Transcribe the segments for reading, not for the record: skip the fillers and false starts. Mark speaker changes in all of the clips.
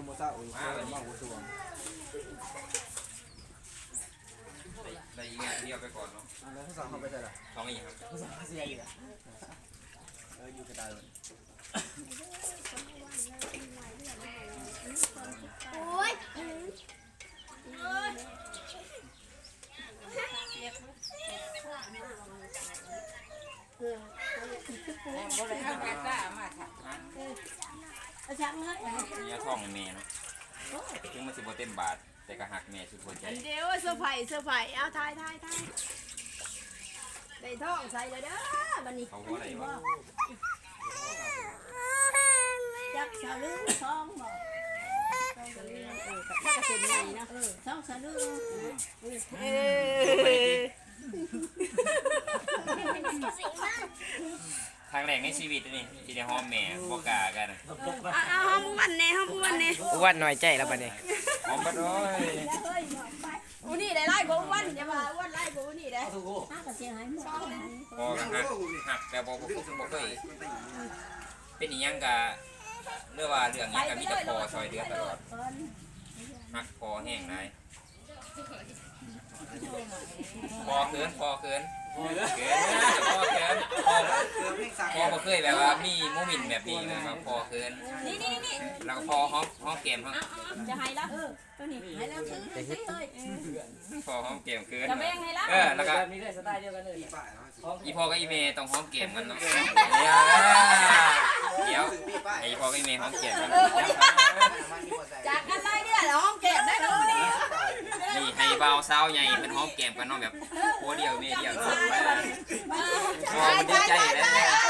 Speaker 1: โมซาอุ่นมาหัวตัว
Speaker 2: ได้อีกเดียวไปก่อนเนาะ
Speaker 1: แล้วผู้สาวเขาไปใช่หรอ
Speaker 2: ท้องอีกครับ
Speaker 1: ผู้สาวเสียอีกอยู่กระต่ายเลย
Speaker 3: โอ้ย
Speaker 4: บ่ได้เอากระต้ามาค่ะเอาจังเลย
Speaker 2: เนี่ยท้องแม่เนาะถึงมันสิบ่เต็มบาทแต่ก็หักแม่สุดหัวใจ
Speaker 3: เดี๋ยวเซอร์ไพรส์เอาทายได้ท้องใส่เลยเด้อบัดนี้
Speaker 2: เขาว่าอะไรวะ
Speaker 4: จักสะลึงทองบ่ถ้ากระสุนใหญ่นะทองสะลึง
Speaker 2: ครั้งแรกในชีวิตนี่ที่ได้หอมแม่บ่กล้ากัน
Speaker 3: ห้องวันนี้
Speaker 1: อ้วนหน่อยใจแล้วปะเนี่ย
Speaker 2: หอมบ่ด้อย
Speaker 3: อูนี่ได้ไล่บ่วันจะมาวันไล่บ่นี่ได้
Speaker 4: ถ้ากระเสียหายหมด
Speaker 2: พอกันหักแต่บ่เคยเป็นอีหยังก็เรื่องว่าเรื่องนี้ก็มีแต่พอซอยเดือตลอดหักพอแห้งได้พอเกินพอบ่เคยแบบว่ามีโมเมนต์แบบนี้แบบพอเกิน
Speaker 3: นี่
Speaker 2: แล้วก็พอหอมแก้มครับ
Speaker 3: จะให้ละ
Speaker 4: ตัวนี้ให้แล้วซื้อเลย
Speaker 2: พอหอมแก้มเกิน
Speaker 3: จะแบ่งให้ละ
Speaker 2: แล้วก็
Speaker 1: มีได้สไตล์เดียวกันเลย
Speaker 2: อีพอกับอีเมย์ต้องหอมแก้มกันเนาะเดี๋ยวไอพอกับอีเมย์หอมแก้มกัน
Speaker 3: จากกันไล่เนี่ยห้องเก็บได้เลย
Speaker 2: นี่ให้เบาสาวใหญ่เป็นหอมแก้มกันเนาะแบบโคเดียวเมย์เดียวพอมันดีใจแล้ว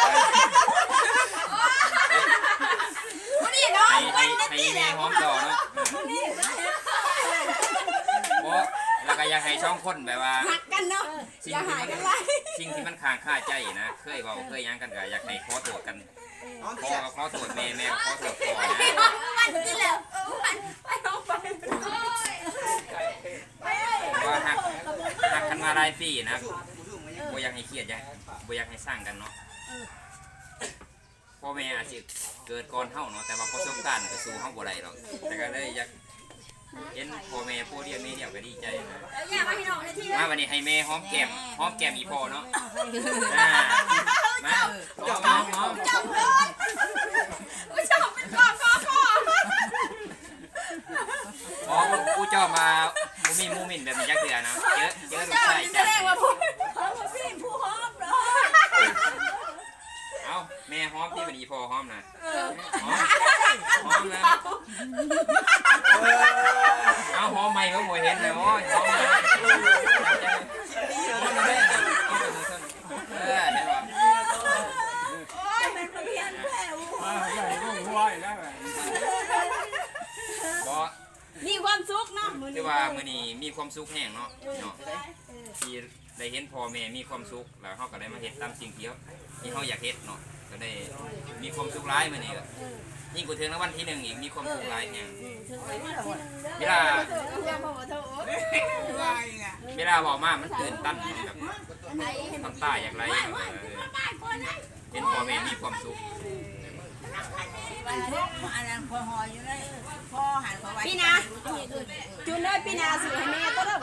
Speaker 2: ให้เมย์หอมต่อเนาะแล้วก็อยากให้ช่องคนแบบว่า
Speaker 3: หักกันเนาะอย่าหายกันไล่
Speaker 2: สิ่งที่มันค้างคาใจนะเคยบอกเคยยังกันก็อยากให้ขอโทษกันขอโทษแม่ขอโทษพ่อนะ
Speaker 3: มันนี่แหละไปน้องไป
Speaker 2: ว่าหักกันมาหลายปีนะบ่อยากให้เครียดบ่อยากให้สร้างกันเนาะพ่อแม่อาจจะเกิดก่อนเฮาเนาะแต่ว่าประสบการณ์ก็สู้เฮาบ่ได้หรอกแต่ก็เลยอยากเห็นพ่อแม่ผู้เดียวแม่เดียวก็ดีใจนะมาวันนี้ให้แม่หอมแก้มอีพ่อเนาะมาหอม
Speaker 3: จับเลยจับเป็นข้อ
Speaker 2: ผู้เจ้ามามูมินแบบนี้จักเทื่อนะเจอลูกชายจัก
Speaker 4: ผู้หอมเหรอ
Speaker 2: เอาแม่หอมที่วันนี้พ่อหอมนะหอมนะเอาหอมใหม่ก็บ่เห็นเลยโอ้ยหอมเลย
Speaker 3: มีความสุขเนาะ
Speaker 2: คือว่ามื้อนี้มีความสุขแห้งเนาะที่ได้เห็นพ่อแม่มีความสุขแล้วเขาก็ได้มาเฮ็ดตามสิ่งที่เขาอยากเฮ็ดเนาะก็ได้มีความสุขร้ายมื้อนี้ก็ยิ่งกว่าถึงรางวัลที่1อีกมีความสุขร้ายแห้งเวลาบอกมามันตื่นตันแบบน้ำตาอย่างไรเห็นพ่อแม่มีความสุข
Speaker 4: พอหอยอยู่เลยพอหันพอไว้
Speaker 3: พี่นาจุนได้พี่นาสื่อให้แม่ก็ได้